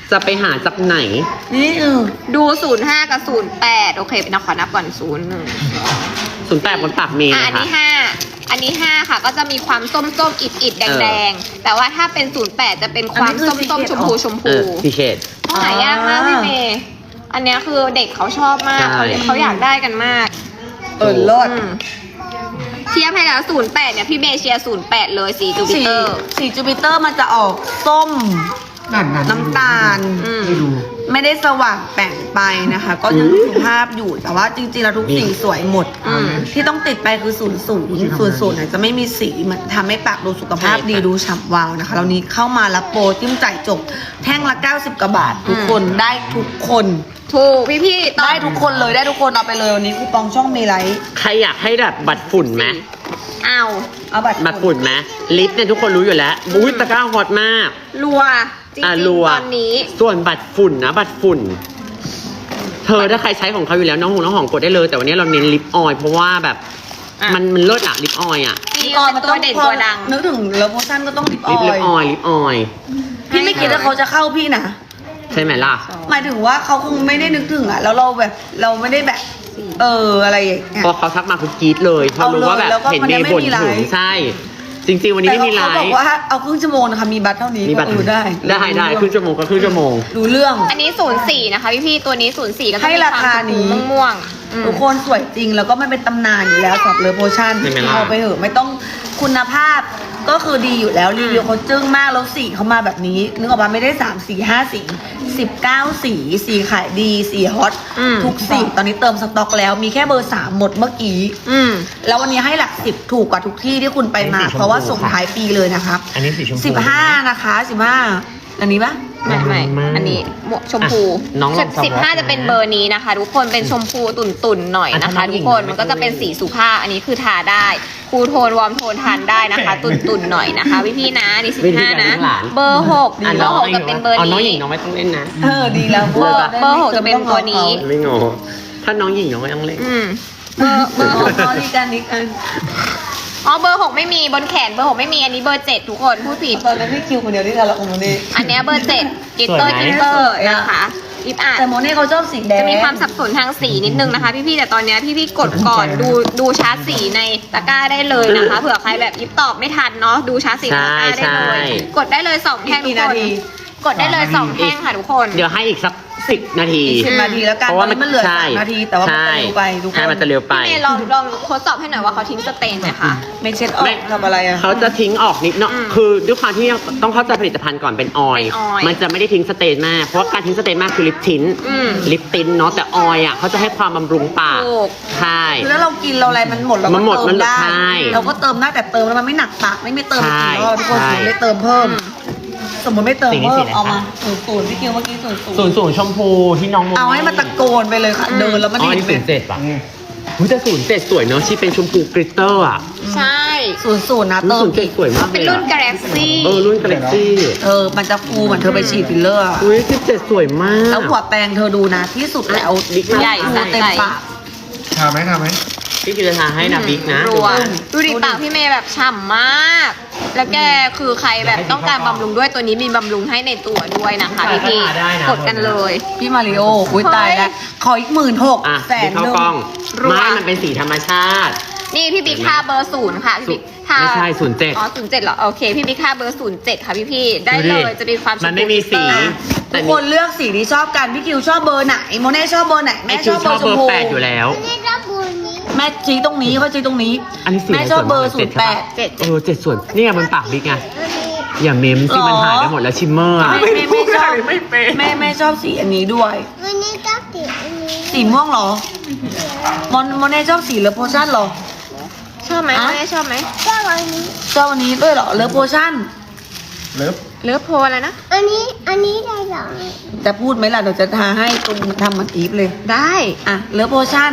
[SPEAKER 1] จะไปหาจากไหน
[SPEAKER 3] นี่เออ
[SPEAKER 4] ดูศูนย์ห้ากับศูนย์แปดโอเคเป็นขอนับก่อนศูนย์หนึ่ง
[SPEAKER 1] ศูนย์แปดบนปากเมย์
[SPEAKER 4] อ่ะอัน
[SPEAKER 1] นะคะ
[SPEAKER 4] นี้ห้าอันนี้ห้าค่ะ ก็จะมีความส้มส้มๆอิดอิดๆแดง
[SPEAKER 1] เอ
[SPEAKER 4] แด
[SPEAKER 1] อ
[SPEAKER 4] งๆแต่ว่าถ้าเป็นศูนย์แปดจะเป็นความ
[SPEAKER 3] อันนี้คือ
[SPEAKER 4] ส้มส้ม
[SPEAKER 3] secret
[SPEAKER 4] ชมพูชม
[SPEAKER 1] เอ
[SPEAKER 4] พู
[SPEAKER 1] อพี่เขต
[SPEAKER 4] หายากมากพี่เมย์อันเนี้ยคือเด็กเขาชอบมาก
[SPEAKER 1] ใช่
[SPEAKER 4] เขาเขาอยากได้กันมาก
[SPEAKER 3] เออรอด
[SPEAKER 4] อืมเทียบให้แล้วศูนย์แปดเนี่ยพี่เมย์เชียร์ศูนย์แปดเลยสีจูปิ
[SPEAKER 3] สี
[SPEAKER 4] เตอร์
[SPEAKER 3] สีจูปิเตอร์มันจะออกส้ม
[SPEAKER 6] นั่นนั่น
[SPEAKER 3] น้ำตาล
[SPEAKER 4] อืม
[SPEAKER 6] ไม่ดู
[SPEAKER 3] ไม่ได้สว่างแป่งไปนะคะ ก็ยังสุภาพอยู่แต่ว่าจริงๆแล้วทุกสีสวยหมด
[SPEAKER 4] อืม
[SPEAKER 3] ที่ต้องติดไปคือศูนย์ศูนย์ศูนย์ศูนย์จะไม่มีสีมันทำให้ปากดูสุขภาพดีดูฉ่ำวาวนะคะแล้วนี้เข้ามารับโปรจิ้มจ่ายจบแท่งละเก้าสิบกว่าบาท ทุกคนได้ทุกคน
[SPEAKER 4] ถูกพี่พี่ๆตอ
[SPEAKER 3] ได้
[SPEAKER 4] น
[SPEAKER 3] ทุกคนเลยได้ทุกคนเอาไปเลยวันนี้คูปองช่องเมไลท์
[SPEAKER 1] ใครอยากให้แบบบัตรฝุ่นไหม
[SPEAKER 4] เอา
[SPEAKER 3] เอาบัตร
[SPEAKER 1] บัตรฝุ่นไหมลิฟต์เนี่ยทุกคนรู้อยู่แล้วอุ้ยตะกร้าฮอตมาก
[SPEAKER 4] รัวจริง
[SPEAKER 1] อ่ะ
[SPEAKER 4] ๆ
[SPEAKER 1] รัว
[SPEAKER 4] ตอนนี้
[SPEAKER 1] ส่วนบัตรฝุ่นนะบัตรฝุ่น เธอถ้าใครใช้ของเขาอยู่แล้วน้องหงน้องหอมกดได้เลย แต่วันนี้เราเน้นลิปออยล์เพราะว่าแบบ
[SPEAKER 4] อ่ะ
[SPEAKER 1] มันมันเลิศอะลิปออยล์อะ
[SPEAKER 4] มีเป็นตัวเด่นตัวดัง
[SPEAKER 3] นึกถึงเลโพชั่นก็ต้องลิปอ
[SPEAKER 1] ลิป
[SPEAKER 3] อ
[SPEAKER 1] ลิป
[SPEAKER 3] ย
[SPEAKER 1] ออยล์ลิปออยล์
[SPEAKER 3] พี่ไม่คิดว่าเขาจะเข้าพี่นะ
[SPEAKER 1] ใช่ไหมล่ะ
[SPEAKER 3] หมายถึงว่าเขาคงไม่ได้นึกถึงอ่ะแล้วเราแบบเราไม่ได้แบบ เอออะไรอย่างเงี้ย
[SPEAKER 1] พอเขาทักมาคือกรี๊ดเลยเพราะรู้ว่าแบบ
[SPEAKER 3] เอาเลยแล้วก็
[SPEAKER 1] เห็น
[SPEAKER 3] มัน
[SPEAKER 1] เม
[SPEAKER 3] ยัง
[SPEAKER 1] ย์
[SPEAKER 3] ไม่
[SPEAKER 1] บ่น
[SPEAKER 3] มีไล
[SPEAKER 1] ถึง
[SPEAKER 3] ฟ์
[SPEAKER 1] ใช่ จริง ๆ วันนี้
[SPEAKER 3] แต่
[SPEAKER 1] ไม่มีไล
[SPEAKER 3] เขาบอก
[SPEAKER 1] ฟ์
[SPEAKER 3] ว่าเอาครึ่งชั่วโมงนะคะมีบัตรเท่านี้
[SPEAKER 1] มีบัตร
[SPEAKER 3] ก็เออได้
[SPEAKER 1] ได้ได้ครึ่งชั่วโมงก็ครึ่งชั่วโมง
[SPEAKER 3] ดูเรื่อง
[SPEAKER 4] อันนี้ศูนย์สี่นะคะพี่พี่ๆตัวนี้ศูนย์สี่ก็จะ
[SPEAKER 3] ให้
[SPEAKER 4] มี
[SPEAKER 3] รา
[SPEAKER 4] ความ
[SPEAKER 3] คา
[SPEAKER 4] ชม
[SPEAKER 3] นี้
[SPEAKER 4] พูม่วงๆอืม
[SPEAKER 3] ทุกคนสวยจริงแล้วก็มันเป็นตำนานอยู่แล้วสำหรับเลโพชั่น
[SPEAKER 1] ใช่ไหมล่ะ
[SPEAKER 3] เอาไปเถอะไม่ต้องคุณภาพก็คือดีอยู่แล้วรีวิวเขาจึ้งมากแล้วสีเขามาแบบนี้นึกออกมาไม่ได้สามสีห้าสีสิบเก้าสีสีขายดีสีฮอต
[SPEAKER 4] อืม
[SPEAKER 3] ทุกสีตอนนี้เติมสต็อกแล้วมีแค่เบอร์สามหมดเมื่อกี้
[SPEAKER 4] อืม
[SPEAKER 3] แล้ววันนี้ให้หลักสิบถูกกว่าทุกที่ที่คุณไปมา
[SPEAKER 1] อันนี้สีชมพู
[SPEAKER 3] เพราะว่าส่งท้ายปีเลยนะครับ
[SPEAKER 1] อันนี้สีชมพู
[SPEAKER 3] สิบห้านะคะสิบห้าอันนี้ปะ
[SPEAKER 4] ไม่ไม่
[SPEAKER 1] ไม่
[SPEAKER 4] อันนี้หมวกชมพู
[SPEAKER 1] อ่ะน้องลอง
[SPEAKER 4] สิบห้า
[SPEAKER 1] สวอป
[SPEAKER 4] จะเป็นเบอร์นี้นะคะ ทุกคนเป็นชมพูตุ่นตุ่นๆหน่อยนะคะ
[SPEAKER 1] อ่ะถ้าน้องหญิ
[SPEAKER 4] ทุก
[SPEAKER 1] ง
[SPEAKER 4] คน
[SPEAKER 1] ไม่
[SPEAKER 4] มันก็จะเป็น
[SPEAKER 1] ต้องเล่น
[SPEAKER 4] สีสุภาพอันนี้คือทาได้คูลโทนวอร์มโทนทานได้นะคะ ตุ่นตุ่นๆหน่อยนะคะพี่พี่ๆนะนี่สิบ
[SPEAKER 1] วิธี
[SPEAKER 4] ห้า
[SPEAKER 1] การ
[SPEAKER 4] นะ
[SPEAKER 1] เลี้ยงหลาน
[SPEAKER 4] เบอร์หก
[SPEAKER 1] อ่ะ
[SPEAKER 4] เบอร์หกจะเป็นเบอร์
[SPEAKER 1] อ๋อน้องหญิ
[SPEAKER 4] นี้
[SPEAKER 1] งน้องไม่ต้องเล่นนะ
[SPEAKER 3] เออดีแล้ว
[SPEAKER 4] เบอร์เบอร์หกจะเป็นตัวนี้
[SPEAKER 1] ไม่งอถ้าน้องหญิงน้องไม่ต้องเล่น
[SPEAKER 4] อืมเบอร์เบอร์หก
[SPEAKER 3] อ๋อดีกันดีกัน
[SPEAKER 4] อ๋อเบอร์หกไม่มีบนแขนเบอร์หกไม่มีอันนี้เบอร์เจ็ดทุกคนพูดผิด
[SPEAKER 3] ตอนนั้นพี่คิวคนเดียวที่ทะเลาะกับโมเน่
[SPEAKER 4] อันเนี้ยเบอร์เจ็ดกิตเตอร์
[SPEAKER 1] สวยไหม
[SPEAKER 4] กิตเตอร์นะคะลิปอาร์
[SPEAKER 3] แต่โมเน่เขาชอบสีแดง
[SPEAKER 4] จะมีความสับสนทางสีนิดนึงนะคะ พี่ๆแต่ตอนเนี้ยพี่ๆกดก่อนดูดูชาร์ตสีในตะกร้าได้เลยนะคะเผื่อใครแบบยิบตอบไม่ทันเนาะดูชาร์ตสีในตะกร้าได้เลย
[SPEAKER 1] ใช่
[SPEAKER 4] กดได้เลยสองแท่งทุกคนกดได้เลยสองแท่งค่ะทุกคน
[SPEAKER 1] เดี๋ยวให้อีกสักสิบนาที
[SPEAKER 3] อีกสิบนาทีแล้วกัน
[SPEAKER 1] เพราะ
[SPEAKER 3] ตอ
[SPEAKER 1] ว่าน
[SPEAKER 3] นี้มันเหลือ
[SPEAKER 1] ใช่
[SPEAKER 3] สามนาทีแต่ว่ามันจะ
[SPEAKER 1] ใช่
[SPEAKER 3] เร็วไปทุกคน
[SPEAKER 1] ใช่มันจะเร็วไป
[SPEAKER 4] พี่เมย์ลองลองทดสอบให้หน่อยว่าเขาทิ้งสเตนไหมคะ
[SPEAKER 3] ไม่เช็ดออ
[SPEAKER 1] ไม่
[SPEAKER 3] กทำอะไรอ่ะ
[SPEAKER 1] เขาจะทิ้งออกนิดเนาะ
[SPEAKER 4] อืม
[SPEAKER 1] คือด้วยความที่ต้องเข้าใจผลิตภัณฑ์ก่อนเป็นออยล์
[SPEAKER 4] เป็นออยล์
[SPEAKER 1] มันจะไม่ได้ทิ้งสเตนมาก เพราะว่าการทิ้งสเตนมากคือลิปทิ้น
[SPEAKER 4] อืม
[SPEAKER 1] ลิปติ้นเนาะ แต่ออยล์อ่ะเขาจะให้ความบำรุงปาก
[SPEAKER 4] ถูก
[SPEAKER 1] ใช่
[SPEAKER 3] คือถ้าเรากินเราอะไรมันหมดเรา
[SPEAKER 1] มั
[SPEAKER 3] ก็
[SPEAKER 1] นหมด
[SPEAKER 3] เติ
[SPEAKER 1] มัน
[SPEAKER 3] ม
[SPEAKER 1] เหลือ
[SPEAKER 3] ได้
[SPEAKER 1] ใช่
[SPEAKER 3] เราก็เติมได้แต่เติมแล้วมันไม่หนักปากไม่ไม่เติม
[SPEAKER 1] ใช่
[SPEAKER 3] อีกรอบทุกคน
[SPEAKER 1] ใช่
[SPEAKER 3] ถึงได้เติมเพิ่ม
[SPEAKER 4] อืม
[SPEAKER 3] สมมติไม่เติม
[SPEAKER 1] สีนี้
[SPEAKER 3] เพิ่
[SPEAKER 1] สี
[SPEAKER 3] ม
[SPEAKER 1] ไหน
[SPEAKER 3] เอา
[SPEAKER 1] คะ
[SPEAKER 3] มาศูนย์ศูนย์พี่คิวเมื่อกี้ศูนย์ศูน
[SPEAKER 1] ศูน
[SPEAKER 3] ย์
[SPEAKER 1] ย์ศูนย์ชมพูที่น้องโม
[SPEAKER 3] เอาให้มันตะโกนไปเลยค่ะ
[SPEAKER 4] อืม
[SPEAKER 3] เดินแล้วมัน
[SPEAKER 1] อ๋อ
[SPEAKER 3] ได้
[SPEAKER 1] นี่
[SPEAKER 3] ยิ
[SPEAKER 1] ศู
[SPEAKER 3] น
[SPEAKER 1] นย์เจ็ดป่ะอุ๊ยแต่ศูนย์เจ็ดสวยเนาะที่เป็นชมพูกริตเตอร์อ่ะ
[SPEAKER 4] ใช่
[SPEAKER 3] ศูนย์ศูนย์นะ
[SPEAKER 1] รู้
[SPEAKER 3] เติม
[SPEAKER 1] ศูนย์เจ็ดสวยมาก
[SPEAKER 4] เป็น
[SPEAKER 1] เลย
[SPEAKER 4] รุ่น
[SPEAKER 1] อะ
[SPEAKER 4] กาแล็กซี่
[SPEAKER 1] เออรุ่นกาแล็กซี่
[SPEAKER 3] เออมันจะฟูเหมือนเธอไปฉีดฟิลเลอร์อะ
[SPEAKER 1] อุ้ยสิบเจ็ดสวยมาก
[SPEAKER 3] แล้วหัวแปรงเธอดูนะที่สุดแล้ว
[SPEAKER 1] บิ๊กมาก
[SPEAKER 4] ใหญ่
[SPEAKER 3] ฟูเต็มปาก
[SPEAKER 6] ทาไหมทาไหม
[SPEAKER 1] พี่กิตทาให้นะบิ๊กนะ
[SPEAKER 4] รัวดูดิปากพี่เมย์แบบฉ่ำมาก แล้วแกคือใครแบบต้องการบำรุงด้วยตัวนี้มีบำรุงให้ในตัวด้วยนะคะพี่พี่ๆกดกันเลย
[SPEAKER 3] พี่มาริโออุ้ยตายแล้วขออีกหมื่นหก
[SPEAKER 1] อ่ะ
[SPEAKER 3] แส
[SPEAKER 1] บิ๊
[SPEAKER 3] น
[SPEAKER 1] กเข้า
[SPEAKER 3] หนึ่ง
[SPEAKER 1] กล้อง
[SPEAKER 4] รัว
[SPEAKER 1] ไม่มันเป็นสีธรรมชาติ
[SPEAKER 4] นี่พี่บิ๊กทาเบอร์ศูนย์ค่ะพี่บิ๊กทา
[SPEAKER 1] ไม่ใช่ศูนย์เจ็ด
[SPEAKER 4] อ๋อศูนย์เจ็ดเหรอโอเคพี่บิ๊กทาเบอร์ศูนย์เจ็ดค่ะพี่พี่ๆได้
[SPEAKER 1] ดู
[SPEAKER 4] เล
[SPEAKER 1] ดิ
[SPEAKER 4] ยจะมีความ
[SPEAKER 1] มันไม่มีสี
[SPEAKER 3] ทุกคนเลือกสีที่ชอบกันพี่คิวชอบเบอร์ไหนโมเน่ชอบเบอร์ไหน
[SPEAKER 1] ไอ
[SPEAKER 3] แม่
[SPEAKER 1] คิ
[SPEAKER 3] ช
[SPEAKER 1] ว
[SPEAKER 3] อบ
[SPEAKER 1] ช
[SPEAKER 3] เบอ
[SPEAKER 1] อบ
[SPEAKER 3] ร์ช
[SPEAKER 1] เบ
[SPEAKER 3] ม
[SPEAKER 1] อร์
[SPEAKER 3] พู
[SPEAKER 1] แปดอยู่แล้ว
[SPEAKER 5] นี่รับบุญนี้
[SPEAKER 3] แม่ชี้ตรงนี้เขาชี้ตรงนี้
[SPEAKER 1] อันนี้สี
[SPEAKER 3] แม่ชอบเบอร์
[SPEAKER 1] สวย
[SPEAKER 3] ศูนย์แปด
[SPEAKER 1] เจ็ดเออเจ็ดส่วนนี่ไงบนปากบิ๊กไง
[SPEAKER 5] อันนี้
[SPEAKER 1] อย่าเมมสิ
[SPEAKER 3] หรอ
[SPEAKER 1] มันหายไปหมดแล้วชิมเมอร์อะ
[SPEAKER 3] แม่แม่ไม่ชอบ
[SPEAKER 1] ไม่เป็น
[SPEAKER 3] แม่แม่ชอบสีอันนี้ด้วย
[SPEAKER 5] วันนี้ก็ติดอันนี้
[SPEAKER 3] สีม่วงเหรอมอนโมเน่ชอบสีเลอโพชั่นเหรอ
[SPEAKER 4] ชอบไหม
[SPEAKER 3] อ่ะ
[SPEAKER 4] แม่ชอบไหม
[SPEAKER 5] ก็วันนี้
[SPEAKER 3] ชอบอันนี้ด้วยเหรอเลอโพชั่น
[SPEAKER 6] เลิฟ
[SPEAKER 4] เลือกโพอะไรนะ
[SPEAKER 5] อันนี้อันนี้ได้หรอ
[SPEAKER 3] จะพูดไหมล่ะเดี๋ยวจะทาให้ตรงทำเหมันอีฟเลย
[SPEAKER 4] ได้
[SPEAKER 3] อ่ะเลอโพชั่น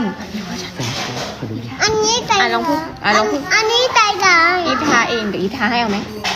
[SPEAKER 5] อันนี้ได้
[SPEAKER 4] อ่ะลองพูดอ่ะลองพูด
[SPEAKER 5] อันนี้ได้หรอ
[SPEAKER 4] อีทาเองเดี๋ยวอีทาให้เอาไหม